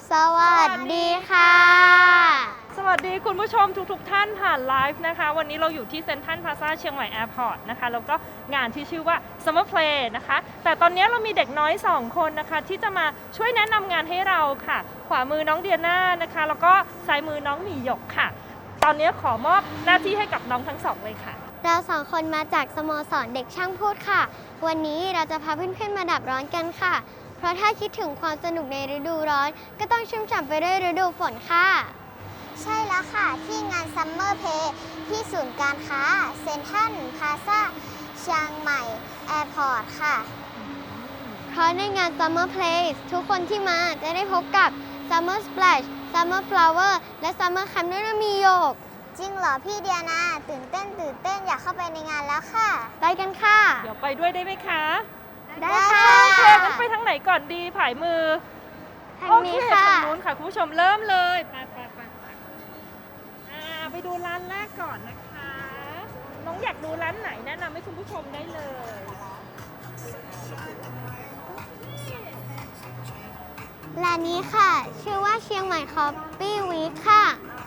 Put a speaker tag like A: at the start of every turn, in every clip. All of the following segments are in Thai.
A: สวัสดีค่ะ
B: สวัสดีคุณผู้ชมทุกท่านผ่านไลฟ์นะคะวันนี้เราอยู่ที่เซ็นทรัลพลาซ่าเชียงใหม่แอร์พอร์ตนะคะแล้วก็งานที่ชื่อว่า Summer Play นะคะแต่ตอนนี้เรามีเด็กน้อย2คนนะคะที่จะมาช่วยแนะนำงานให้เราค่ะขวามือน้องเดียน่านะคะแล้วก็ซ้ายมือน้องหมีหยกค่ะตอนนี้ขอมอบหน้าที่ให้กับน้องทั้งสองเลยค่ะ
A: เรา2 คนมาจากสโมสรเด็กช่างพูดค่ะวันนี้เราจะพาเพื่อนๆมาดับร้อนกันค่ะเพราะถ้าคิดถึงความสนุกในฤดูร้อนก็ต้องชุ่มฉ่ำไปด้วยฤดูฝนค่ะใช่แล้วค่ะที่งาน Summer Play ที่ศูนย์การค้าเซ็นทรัลพลาซ่าเชียงใหม่แอร์พอร์ตค่ะเพราะในงาน Summer Play ทุกคนที่มาจะได้พบกับ Summer Splash Summer Flower และ Summer Camp ด้วยนะมีโยกจริงเหรอพี่เดียนาตื่นเต้นอยากเข้าไปในงานแล้วค่ะไปกันค่ะ
B: เดี๋ยวไปด้วยได้ไหมคะ
A: ได้ค่ะ
B: โอเคงั้นไปทางไหนก่อนดีผายมือ
A: ทางนี้ค่ะ
B: ทางนู้นค่ะคุณผู้ชมเริ่มเลยไปดูร้านแรกก่อนนะคะน้องอยากดูร้านไหนแนะนำให้คุณผู้ชมได้เลย
A: ร้านนี้ค่ะชื่อว่าเชียงใหม่คอฟฟี่วีคค่ะ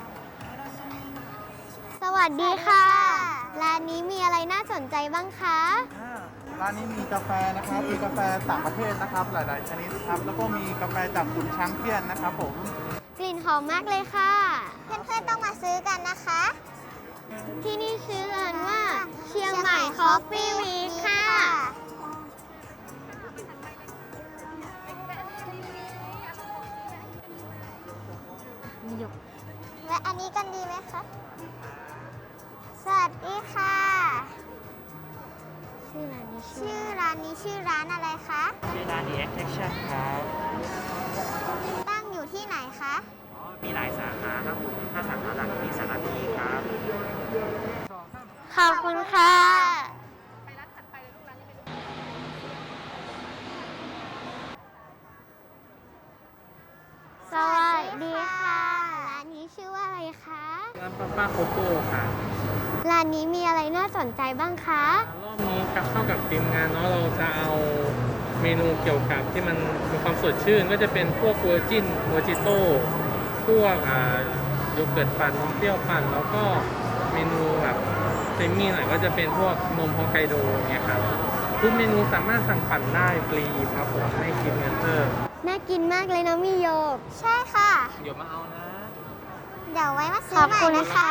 A: สวัสดีค่ะร้านนี้มีอะไรน่าสนใจบ้างคะ
C: ร้านนี้มีกาแฟนะครับมีกาแฟต่างประเทศนะครับหลายๆชนิดครับแล้วก็มีกาแฟจากขุนช้างเปี้ยนนะครับผม
A: กลิ่นหอมมากเลยค่ะเพื่อนๆต้องมาซื้อกันนะคะที่นี่ชื่อร้านว่าเชียงใหม่คอฟฟี่วีคค่ะและอันนี้กันดีไหมคะสวัสดีค่ะชื่อร้านนี้ชื่อร้านอะไรคะ
D: ชื่อร้าน The Attraction ครับ
A: ตั้งอยู่ที่ไหนคะ
D: มีหลายสาขาครับผมถ้าสาขาหลักมีสาขานี้ครับ
A: ขอบคุณค่ะสวัสดีค่ะร้านนี้ชื่อว่าอะไรคะ
D: ร้านป้าโคโค่ค่ะ
A: ร้านนี้มีอะไรน่าสนใจบ้างคะ
D: รอบนี้กับเข้ากับทีมงานเนาะเราจะเอาเมนูเกี่ยวกับที่มันมีความสดชื่นก็จะเป็นพวกเวอร์จิโต้พวกโยเกิร์ตปั่นนมเปรี้ยวปั่นแล้วก็เมนูแบบเซมี่หน่อยก็จะเป็นพวกนมฮอกไกโดเนี่ยครับทุกเมนูสามารถสั่งปั่นได้ฟรีครับผมไม่คิดเงินเพิ่ม
A: น่ากินมากเลยนะมีโยกใช่ค่ะ
D: เดี๋ยวมาเอานะ
A: เดี๋ยวไว้มาซื้อใหม่นะคะ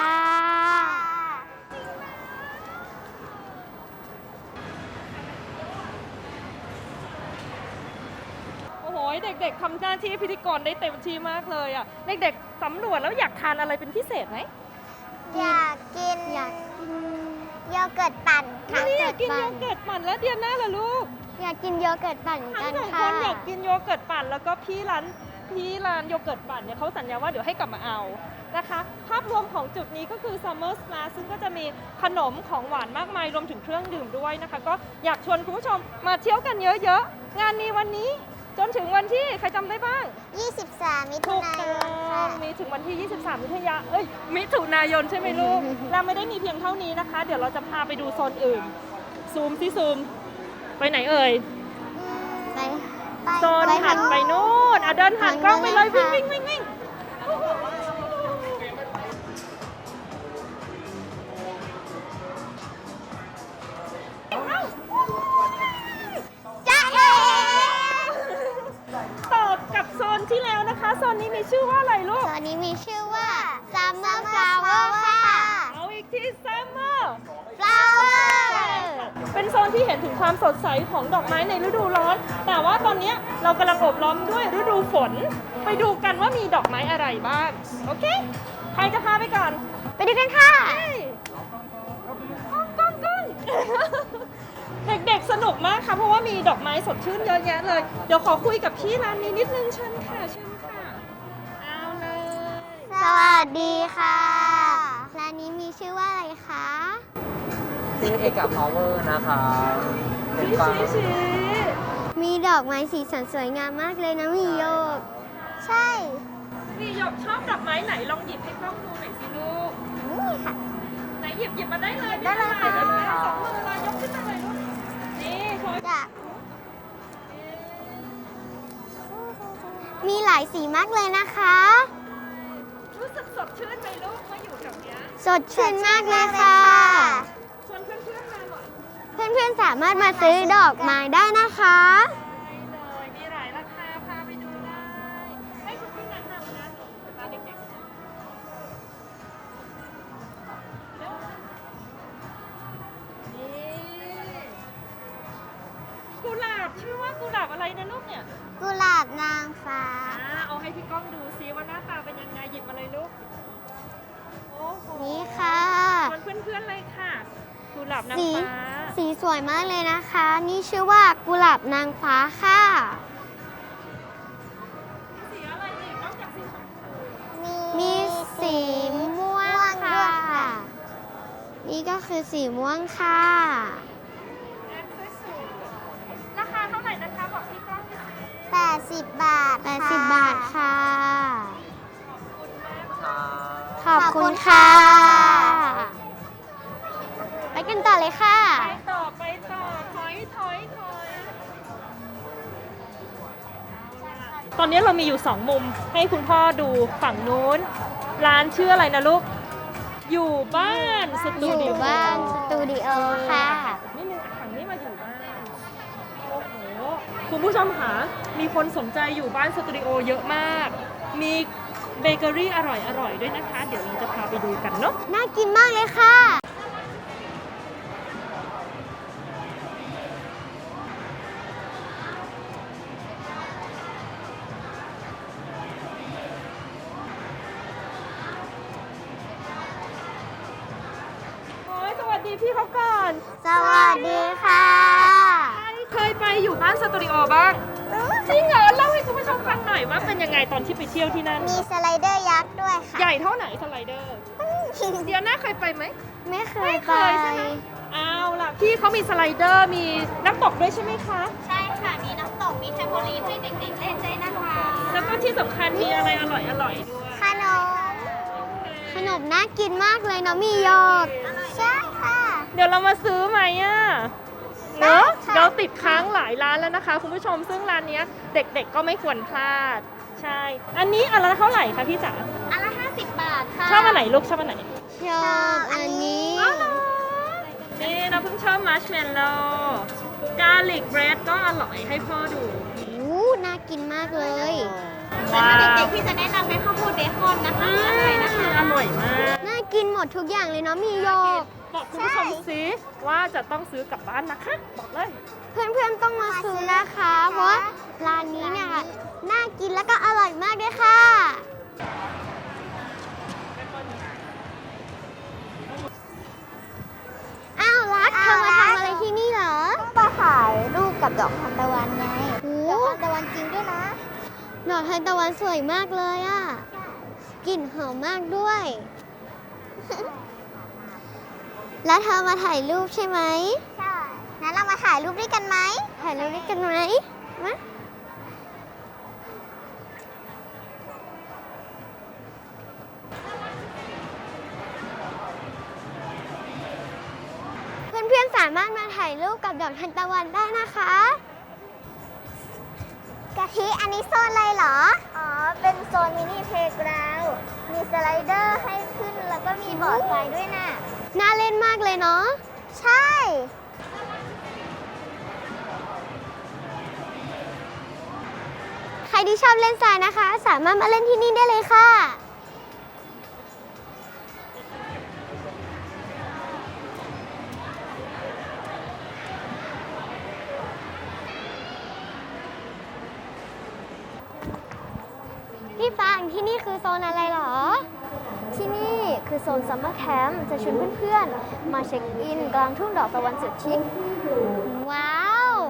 B: โอ้โหเด็กๆทำหน้าที่พิธีกรได้เต็มที่มากเลยอ่ะเด็กๆสำรวจแล้วอยากทานอะไรเป็นพิเศษไหม
A: อยากกินโยเกิร์ตปั่น
B: นี่อยากกินโยเกิร์ตปั่นแล้วเดียน่าล่ะลูก
A: อยากกินโยเกิร์ตปั่น
B: กันค่ะทั้ง2 คนอยากกินโยเกิร์ตปั่นแล้วก็พี่ร้านโยเกิร์ตปั่นเนี่ยเขาสัญญาว่าเดี๋ยวให้กลับมาเอานะคะภาพรวมของจุดนี้ก็คือ Summer Splash ซึ่งก็จะมีขนมของหวานมากมายรวมถึงเครื่องดื่มด้วยนะคะก็อยากชวนคุณผู้ชมมาเที่ยวกันเยอะๆงานมีวันนี้จนถึงวันที่ใครจำได้บ้าง
A: 23 มิถุนายนค่ะ
B: มีถึงวันที่23 มิถุนายนใช่ไหมลูกเราไม่ได้มีเพียงเท่านี้นะคะเดี๋ยวเราจะพาไปดูโซนอื่นซูมไปไหนเอ่ยโซนถัดไปนู่นเดินผ่านกล้องไปเลยวิ่งต่อกับโซนที่แล้วนะคะโซนนี้มีชื่อว่าอะไรลูก
A: โซนนี้มีชื่อว่า Summer Flower ค่ะ
B: เอาอีกที Summer
A: Flower
B: เป็นโซนที่เห็นถึงความสดใสของดอกไม้ในฤดูร้อนแต่ว่าตอนนี้เรากำลังโอบล้อมด้วยฤดูฝนไปดูกันว่ามีดอกไม้อะไรบ้างโอเคใครจะพาไปก่อน
A: ไปดูกันค่ะ
B: ก้องเด็กๆสนุกมากค่ะเพราะว่ามีดอกไม้สดชื่นเยอะแยะเลยเดี๋ยวขอคุยกับพี่ร้านนี้นิดนึงเชิญค่ะเอาเลย
A: สวัสดีค่ะร้านนี้มีชื่อว่าอะไรคะ
D: ชื่อเอกพาวเวอร์นะคะ
B: ชี้
A: มีดอกไม้สีสันสวยงามมากเลยนะมีโยกใช่
B: มีโยกชอบดอกไม้ไหนลองหยิบให้กล้องดูหน่อยสิลูก
A: นี่ค่ะ
B: ไหนหยิบมาได้เลย
A: ได้เลยค่ะ
B: 2 มือเลยยกขึ้นมาเลยลูกนี่โชว์
A: มีหลายสีมากเลยนะคะ
B: รู้สึกสดชื่นไหมลูกมาอยู่แถวเนี้ย
A: สดชื่นมากเลยค่ะ
B: ชวนเพื่อนๆมาหน่อย
A: เพื่อนๆสามารถมาซื้อดอกไม้ได้นะคะ
B: ได้เลยมีหลายราคาพาไปดูได้ให้คุณพี่แนะนำนะพาเด็กๆเร็วนี่กุหลาบชื่อว่ากุหลาบอะไรนะลูกเนี่ย
A: กุหลาบนางฟ้า
B: เอาให้พี่ก้องดูซิว่าหน้าตาเป็นยังไงหยิบมาเลยลูกโอ้โห
A: นี่ค่ะ
B: ชวนเพื่อนๆเลยค่ะกุหลาบนาง
A: สี
B: ฟ้า
A: สีสวยมากเลยนะคะ นี่ชื่อว่ากุหลาบนางฟ้าค่ะ
B: สีอะไรอีกนอกจากสีชมพู
A: มีสีม่วงค่ะ นี่ก็คือสีม่วงค่ะ
B: แอปสวยๆราคาเท่าไหร่นะคะบอกพี่ก้องสิ
A: 80 บาท 80 บาทค่ะ ขอบคุณค่ะ ไปกันต่อเลยค่ะ
B: ไปต่อถอยตอนนี้เรามีอยู่ 2 มุมให้คุณพ่อดูฝั่งนู้น ร้านชื่ออะไรนะลูก อยู่บ้านส
A: อ
B: ตู
A: ยู่
B: ดิโอ
A: บ้านสตูดิโอค่ะ
B: นี่นึงฝั่งนี้มาอยู่บ้าน โอ้โห คุณผู้ชมคะมีคนสนใจอยู่บ้านสตูดิโอเยอะมาก มีเบเกอรี่อร่อยๆด้วยนะคะ เดี๋ยวเราจะพาไปดูกันเนาะ
A: น่ากินมากเลยค่ะ
B: โอ้ยสวัสดีพี่เขาก่อน
A: สวัสดีค่ะ
B: เคยไปอยู่บ้านสตูดิโอบ้างจริงเหรอเล่าให้คุณผู้ชมฟังหน่อยว่าเป็นยังไงตอนที่ไปเที่ยวที่นั่น
A: มีสไลเดอร์ยักษ์ด้วยค่ะ
B: ใหญ่เท่าไหนสไลเดอร์ เดียวน่าเคยไปไหม
A: ไม่เค
B: ไม่
A: ย
B: เค
A: ไป
B: ยใช่ไหมเอาล่ะพี่เขามีสไลเดอร์มีน้ำตกด้วยใช่ไหมคะ
A: ใช่ค่ะ มีน้ำตก มีแทมโบลีนให้เด็กๆเล่นด้วยนะคะ
B: แล้วก็ที่สำคัญมีอะไรอร่อยด้วย
A: ขนม ขนมน่ากินมากเลยเนาะ มีโยกใช่ค่ะ
B: เดี๋ยวเรามาซื้อไหมอ่ะเนอะ
A: ได้ค่ะ
B: เราติดค้างหลายร้านแล้วนะคะคุณผู้ชมซึ่งร้านเนี้ยเด็กๆก็ไม่ควรพลาด ใช่ อันนี้อันละเท่าไหร่คะพี่จ๋า
A: อันละ 50 บาทค่ะ
B: ชอบอันไหนลูกชอบอันไหน
A: ชอบอันนี้
B: นี่เราเพิ่งชอบมัชเมลโล่กาลิกเบรดก็อร่อยให้พ่อดู
A: น่ากินมากเลย
B: ว้าว
A: เด็กๆที่จะแนะนำเป็นข้าวโพดเบคอนนะคะ
B: อร่อยนะคะอร่อยมาก
A: น่ากินหมดทุกอย่างเลยเนาะ มีโยก
B: บอกคุณผู้ชมสิว่าจะต้องซื้อกลับบ้านนะคะ บอกเลย
A: เพื่อนๆต้องมาซื้อนะคะ เพราะว่าร้านนี้เนี่ยน่ากินแล้วก็อร่อยมากด้วยค่ะ อ้าวรักเธอมาทำอะไรที่นี่เหรอมาถ่ายรูปกับดอกทานตะวันไงดอกทานตะวันจริงด้วยนะ ดอกทานตะวันสวยมากเลยอ่ะ กลิ่นหอมมากด้วย แล้วเธอมาถ่ายรูปใช่ไหมใช่ งั้นเรามาถ่ายรูปด้วยกันไหม ถ่ายรูปด้วยกันไหมมาเพื่อนๆสามารถมาถ่ายรูปกับดอกทานตะวันได้นะคะกะทิอันนี้โซนอะไรเหรอ อ๋อ เป็นโซนมินิเพลย์กราวด์มีสไลเดอร์ให้ขึ้นแล้วก็มีบอร์ดไฟด้วยน่ะ น่าเล่นมากเลยเนาะ ใช่ ใครที่ชอบเล่นทรายนะคะ สามารถมาเล่นที่นี่ได้เลยค่ะ พี่ฟางที่นี่คือโซนอะไรเหรอ ที่นี่คือโซนซัมเมอร์แคมป์จะชวนเพื่อนๆ มาเช็คอินกลางทุ่งดอกตะวันสุดชิค ว้าว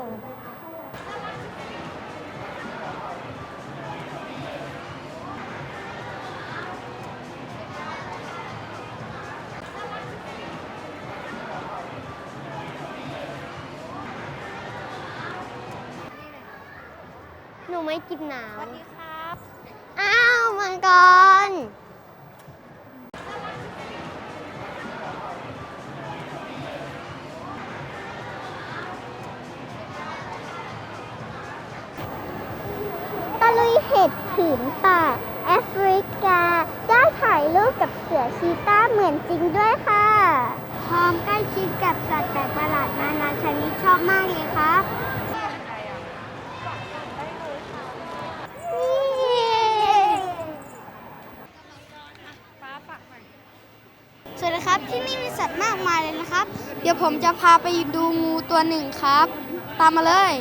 A: หนูไม่กินน้ำ
B: สวัสดีครับ
A: อ้าวมังกร ตะลุยเห็ดป่าแอฟริกาได้ถ่ายรูปกับเสือชีต้าเหมือนจริงด้วยค่ะพร้อมใกล้ชิดกับสัตว์แปลกประหลาดนานาชนิดชอบมากเลยครับสวัสดีครับที่นี่มีสัตว์มากมายเลยนะครับ เดี๋ยวผมจะพาไปดูงูตัวหนึ่งครับ ตามมาเลย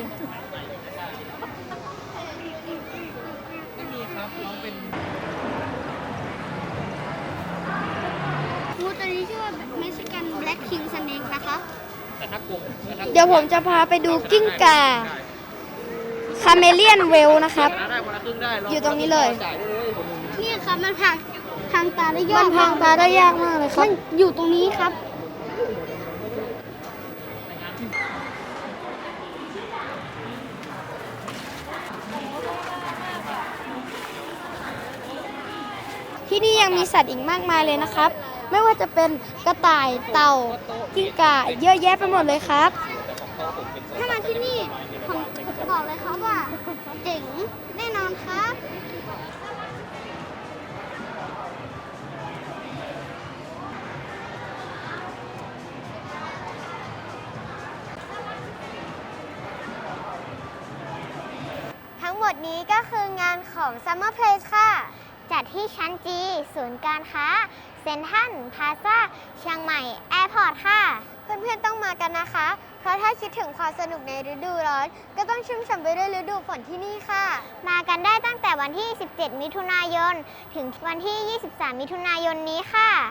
A: งูตัวนี้ชื่อว่าเม็กซิกันแบล็กคิงสเนกนะคะเดี๋ยวผมจะพาไปดูกิ้งก่าคาเมเลียนเวลนะครับ อยู่ตรงนี้เลยนี่ครับมันทางตาได้ยากมันทางตาได้ยากมากเลยครับมันอยู่ตรงนี้ครับที่นี่ยังมีสัตว์อีกมากมายเลยนะครับ ไม่ว่าจะเป็นกระต่ายเต่ากิ้งก่าเยอะแยะไปหมดเลยครับ ถ้ามาที่นี่ผมบอกเลยครับว่าเจ๋งแน่นอนครับ ทั้งหมดนี้ก็คืองานของ Summer Place ค่ะ จัดที่ชั้นจีศูนย์การค้าเซ็นทรัลพลาซ่าเชียงใหม่แอร์พอร์ตค่ะ เพื่อนๆต้องมากันนะคะ เพราะถ้าคิดถึงความสนุกในฤดูร้อนก็ต้องชุ่มฉ่ำไปด้วยฤดูฝนที่นี่ค่ะ มากันได้ตั้งแต่วันที่ 17 มิถุนายน ถึงวันที่ 23 มิถุนายนนี้ค่ะ